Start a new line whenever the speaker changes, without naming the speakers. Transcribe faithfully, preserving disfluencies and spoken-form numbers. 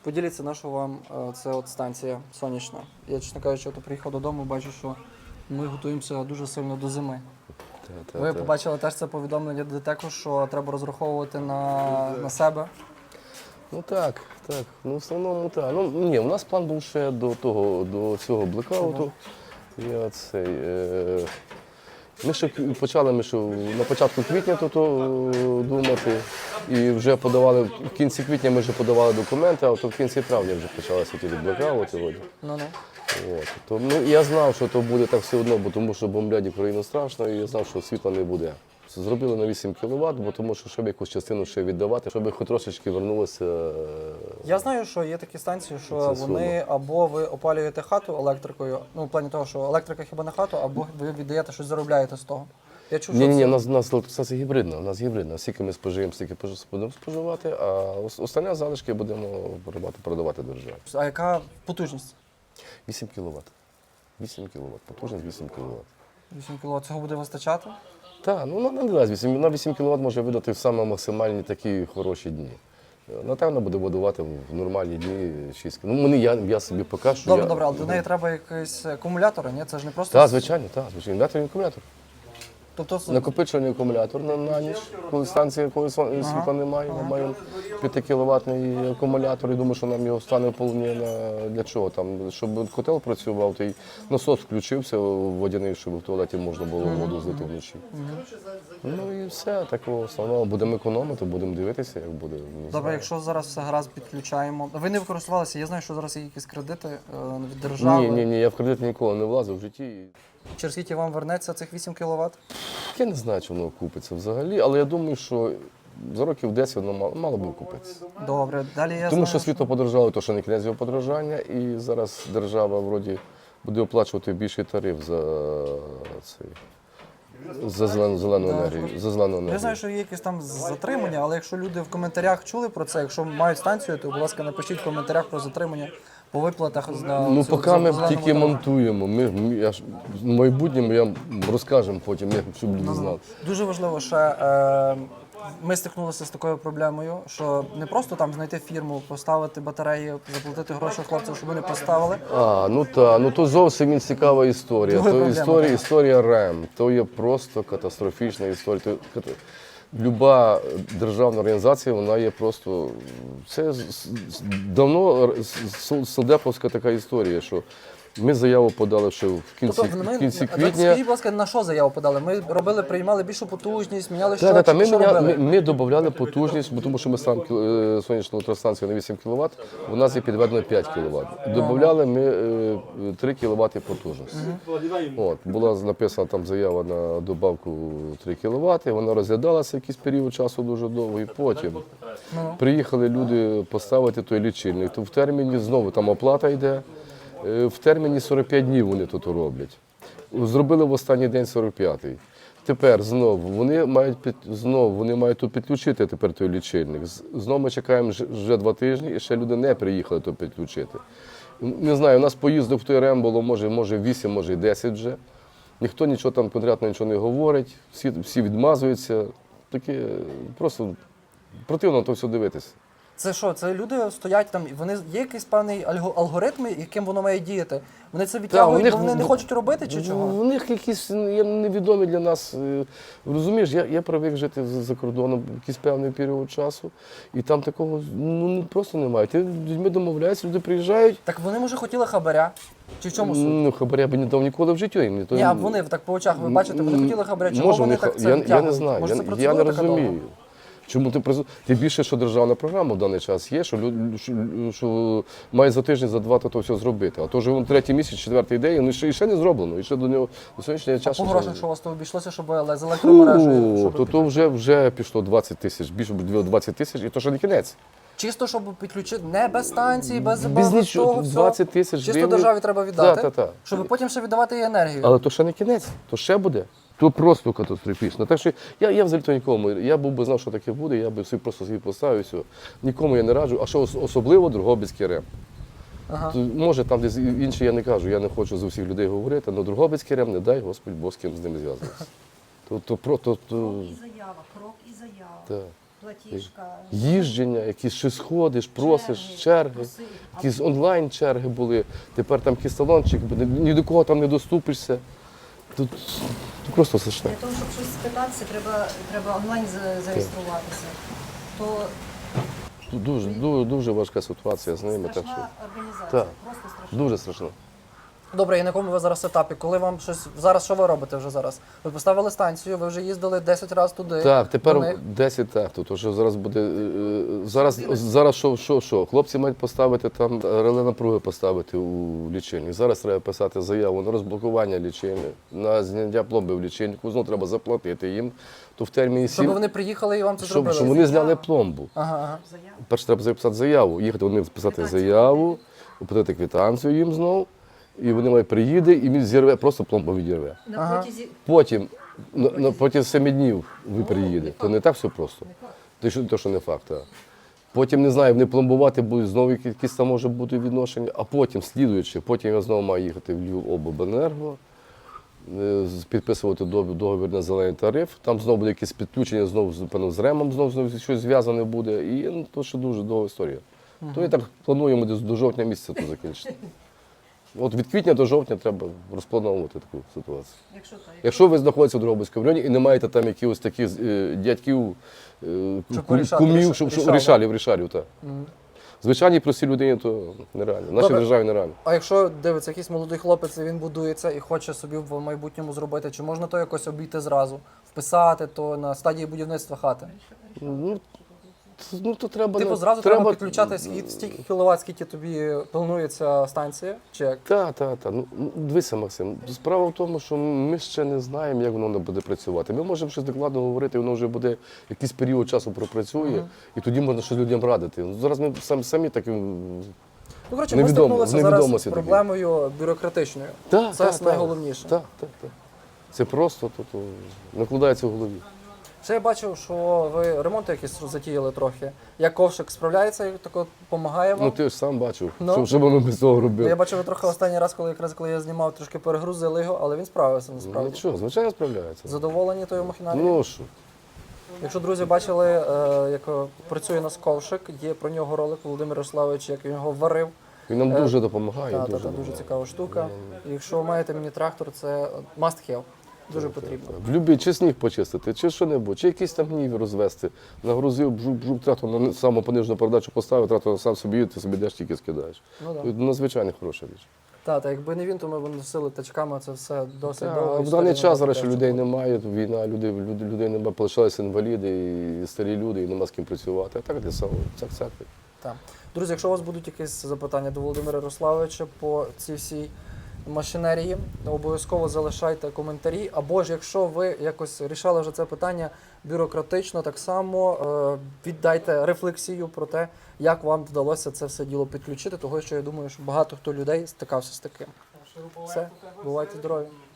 Поділіться, на що вам е, це от станція сонячна. Я, чесно кажучи, от приїхав додому, бачу, що ми готуємося дуже сильно до зими.
Та, та,
Ви
та.
побачили теж це повідомлення ДТЕКу, що треба розраховувати на, на себе.
Ну так, так. Ну в основному так. Ну ні, у нас план був ще до того, до цього блекауту. Я цей. Е... Ми ще почали ми ще на початку квітня тут думати. І вже подавали, в кінці квітня ми вже подавали документи, а то в кінці травня вже почалися ті блекаути.
Ну-ну.
От. То, ну, я знав, що то буде так все одно, бо тому що бомблять Україну страшно, і я знав, що світла не буде. Зробили на вісім кіловат, бо тому що щоб якусь частину ще віддавати, щоб хоч трошечки вернулося.
Я знаю, що є такі станції, що
Це
вони
сума.
або ви опалюєте хату електрикою, ну в плані того, що електрика хіба не хату, або ви віддаєте щось, заробляєте з того. Я чув,
Ні,
що
ні, ні,
це-
у нас, у нас електростанція гібридна, у нас гібридна. Скільки ми спожиємо, стільки будемо споживати, а ос- останні залишки будемо продавати, продавати державі.
А яка потужність?
вісім кіловат. вісім кіловат, потужність вісім кіловат.
вісім кіловат. Цього буде вистачати?
Так, ну на, на вісім, на вісім кіловат може видати в саме максимальні такі хороші дні. Напевно, буде будувати в нормальні дні шість кіловат. Ну, мені, я, я собі поки що...
Добре,
я,
добре, але до неї треба якийсь акумулятор, ні? Це ж не просто...
Так, звичайно, так, звичайно. Інверторний акумулятор.
Тобто, с-
Накопичувальний акумулятор на, на ніч, коли станція, коли сон- світла немає. Ми маємо п'ятикіловатний акумулятор і думаю, що нам його стане вполне на для чого там, щоб котел працював, то й насос включився водяний, щоб в туалеті можна було воду злити вночі. Ну і все, такого основного. Будемо економити, будемо дивитися, як буде. Не
добре,
знаю.
якщо зараз все гаразд підключаємо. Ви не використовувалися, я знаю, що зараз є якісь кредити е, від держави.
Ні, ні, ні, я в кредит ніколи не влазив в житті.
Через скільки вам вернеться цих вісім кіловат?
Я не знаю, чи воно купиться взагалі, але я думаю, що за років десять воно мало, мало би купитися.
Добре, далі я
Тому
знаю,
що світло подорожало, то що не кінець його подорожання, і зараз держава вроді буде оплачувати більший тариф за цей. За зелену, зелену
Да.
енергію. За зелену енергію.
Я знаю, що є якісь там затримання, але якщо люди в коментарях чули про це, якщо мають станцію, то, будь ласка, напишіть в коментарях про затримання по виплатах на
Ну,
цю-
поки
цю
ми
зелену
тільки
водору.
монтуємо. Ми, ми- я ж, в майбутньому я розкажемо потім, як щоб люди
Ну,
знали.
Дуже важливо, ще е, ми стикнулися з такою проблемою, що не просто там знайти фірму, поставити батареї, заплатити гроші хлопцям, щоб вони поставили.
А, ну так, ну то зовсім він цікава історія.
Друга
То
проблема,
історія,
так.
історія РЕМ, то є просто катастрофічна історія. То, ката- Люба державна організація, вона є просто. Це з- з- давно с- солдеповська така історія, що ми заяву подали ще в кінці,
Тобто, ми,
в кінці
Скажіть,
квітня.
будь ласка, на що заяву подали? Ми робили, приймали більшу потужність, міняли
Так, так, так, ми,
що
міня-
робили?
ми, ми додавали потужність, бо тому що ми сам е, сонячна електростанція на вісім кіловат, у нас є підведено п'ять кіловат. Додавали ми е, три кіловат потужності. От, була написана там заява на добавку три кіловат, вона розглядалася якийсь період часу дуже довго, і потім приїхали люди поставити той лічильник. То в терміні знову там оплата йде, е, в терміні сорок п'ять днів вони тут роблять. Зробили в останній день сорок п'ятий. Тепер знову вони мають під знову вони мають тут підключити тепер той лічильник. З- Знову ми чекаємо ж- вже два тижні, і ще люди не приїхали то підключити. Не знаю, у нас поїздок в той РЕМ було може, може вісім, може і десять вже. Ніхто нічого там конкретно нічого не говорить, всі, всі відмазуються. Таке просто противно то все дивитися.
Це що? Це люди стоять там, і вони є якийсь певний альго- алгоритм, яким воно має діяти. Вони це відтягують,
них
бо вони не
в-
хочуть робити чи чого?
У них якісь є невідомі для нас. е, Розумієш, я, я привик жити за за кордоном якийсь певний період часу, і там такого ну, ну, просто немає. Ти з людьми домовляєшся, люди приїжджають.
Так вони може хотіли хабаря? Чи в чому суть?
Ну, хабаря би не дав ніколи в житті. Ні, то-
Ні, а вони так по очах, ви бачите, вони хотіли хабаря, чого
Може,
вони
ха-
так це
я, я не
відтягують?
знаю,
Може,
я,
це
я
процедура
не
така довга?
розумію. Чому ти призу- Тим більше, що державна програма в даний час є, що, лю- що, що має за тиждень, за два то, то все зробити. А то вже він третій місяць, четвертий день, і ще, і ще не зроблено. І ще до нього до сьогоднішнього часу.
По
ще
грошах,
не-
що у вас то обійшлося, щоб але з електромережею?
Фу,
щоб
то, то вже, вже пішло двадцять тисяч, більше двадцять тисяч, і то ще не кінець.
Чисто, щоб підключити, не без станції, без,
Без
без
нічого,
того всього.
двадцять тисяч
Чисто
гривень.
державі треба віддати,
Та, та, та.
щоб потім ще віддавати їй енергію.
Але то ще не кінець, то ще буде. То просто катастрофічно. Так що я, я взагалі то нікому. Я був би знав, що таке буде, я би собі просто собі поставив і все. Нікому я не раджу, а що ос- особливо Дрогобицький РЕМ.
Ага.
То, може, там десь інші я не кажу, я не хочу за всіх людей говорити, але Дрогобицький РЕМ, не дай Господь Бог з ким з ним зв'язуватися. То, то, про- то, то,
Крок і заява, крок і заява.
та.
Платіжка.
їждження, якісь щось ходиш, просиш,
Черги,
черги,
проси.
якісь онлайн-черги були. Тепер там якийсь талончик, ні до кого там не доступишся. Тут, тут просто страшне.
Для того, щоб щось спитатися, треба, треба онлайн за- зареєструватися. То
Тут дуже, дуже, дуже важка ситуація з ними. Так що
страшна організація,
Так.
просто страшна.
дуже страшно.
Добре, і на якому ви зараз етапі? Коли вам щось зараз, що ви робите вже зараз? Ви поставили станцію, ви вже їздили десять разів туди.
Так,
до
тепер
них.
десять так. Тут що зараз буде. е, е, Зараз, зараз що, що, що? Хлопці мають поставити там реле напруги поставити у лічильник. Зараз треба писати заяву на розблокування лічильника, на зняття пломби в лічильнику. Знову треба заплатити їм. То в терміні
Щоб
сім,
вони приїхали і вам це
щоб,
зробили.
щоб вони зняли пломбу.
Ага, ага.
Перше треба записати заяву, їхати вони писати заяву, оплатити квитанцію їм знову. І вони мають приїде, і він зірве, просто пломбу відірве.
На
Ага.
протязі
Потім, на, на протягом семи днів ви приїдете. То не так все просто. То що, то, що не факт. Так. Потім, не знаю, вони пломбувати будуть, знову якісь там може бути відношення, а потім, слідуючи, потім я знову маю їхати в Львівобленерго, е, з- підписувати дов- договір на зелений тариф. Там знову буде якесь підключення, знову з- певно, з ремом, знову, знову щось зв'язане буде. І ну, то ще дуже довга історія. То я так плануємо десь до жовтня місяця то закінчити. От від квітня до жовтня треба розплановувати таку ситуацію.
якщо так.
Якщо ви знаходитеся в Дрогобицькому районі і не маєте там якихось таких е, дядьків, е,
Щоб
кум-
порішати,
кумів,
ріша-
щоб щоб-
рішали.
рішалів, рішалів, так. Звичайній простій людині то нереально. В нашій
Добре.
державі нереально.
А якщо дивиться, якийсь молодий хлопець, і він будується і хоче собі в майбутньому зробити, чи можна то якось обійти зразу, вписати то на стадії будівництва хати?
Ну, т- ну то треба.
Типу
ну,
зразу треба, підключати скільки, стільки кіловат, скільки тобі планується станція, чи як?
Так, так, так. Ну, ну, дивися, Максим, справа в тому, що ми ще не знаємо, як воно буде працювати. Ми можемо щось докладно говорити, воно вже буде якийсь період часу пропрацює, і тоді можна щось людям радити. Ну, зараз ми самі, самі так.
Ну, коротше, ми
Невідомо-
стикнулися зараз з
невідомості такі.
проблемою бюрократичною.
Так,
Це
так,
найголовніше.
Так, так, так. Це просто то, то, накладається в голові.
Ще я бачив, що ви ремонти якісь затіяли трохи. Як ковшик справляється, як тако допомагає вам?
Ну ти ж сам бачив,
Ну.
що, що воно без цього
Ну,
робив.
я бачив, ви трохи останній раз, коли якраз коли я знімав, трошки перегрузили його, але він справився
Ну
насправді.
нічого, звичайно справляється.
Задоволені тою махіналією?
Ну що,
Якщо друзі бачили, е, як е, працює нас ковшик, є про нього ролик Володимир Ярославович, як він його варив.
він нам
Е,
дуже допомагає.
Та, та,
дуже,
та, дуже
допомагає.
цікава штука. І якщо маєте міні-трактор, це must have. Дуже потрібно.
В любі, чи сніг почистити, чи що-небудь, чи якийсь там гнів розвести. Нагрузив, бжук, бжук, трактор на саму понижену передачу поставив, трактор сам собі їде, ти собі йдеш, тільки скидаєш.
Ну, да.
Це надзвичайно хороша річ.
Та, та, якби не він, то ми б носили тачками, це все досить
Та,
довго.
в
історія
даний час
набагато
зараз ще
довше
людей
буде.
немає, війна, людей, люди, людей немає, полишалися інваліди, і старі люди, і нема з ким працювати. А так для самого, цак-цак.
Так. Друзі, якщо у вас будуть якісь запитання до Володимира Ярославовича по цій всій машинерії, обов'язково залишайте коментарі. Або ж якщо ви якось рішали вже це питання бюрократично, так само е, віддайте рефлексію про те, як вам вдалося це все діло підключити, того що я думаю, що багато хто людей стикався з таким. Все, бувайте здорові.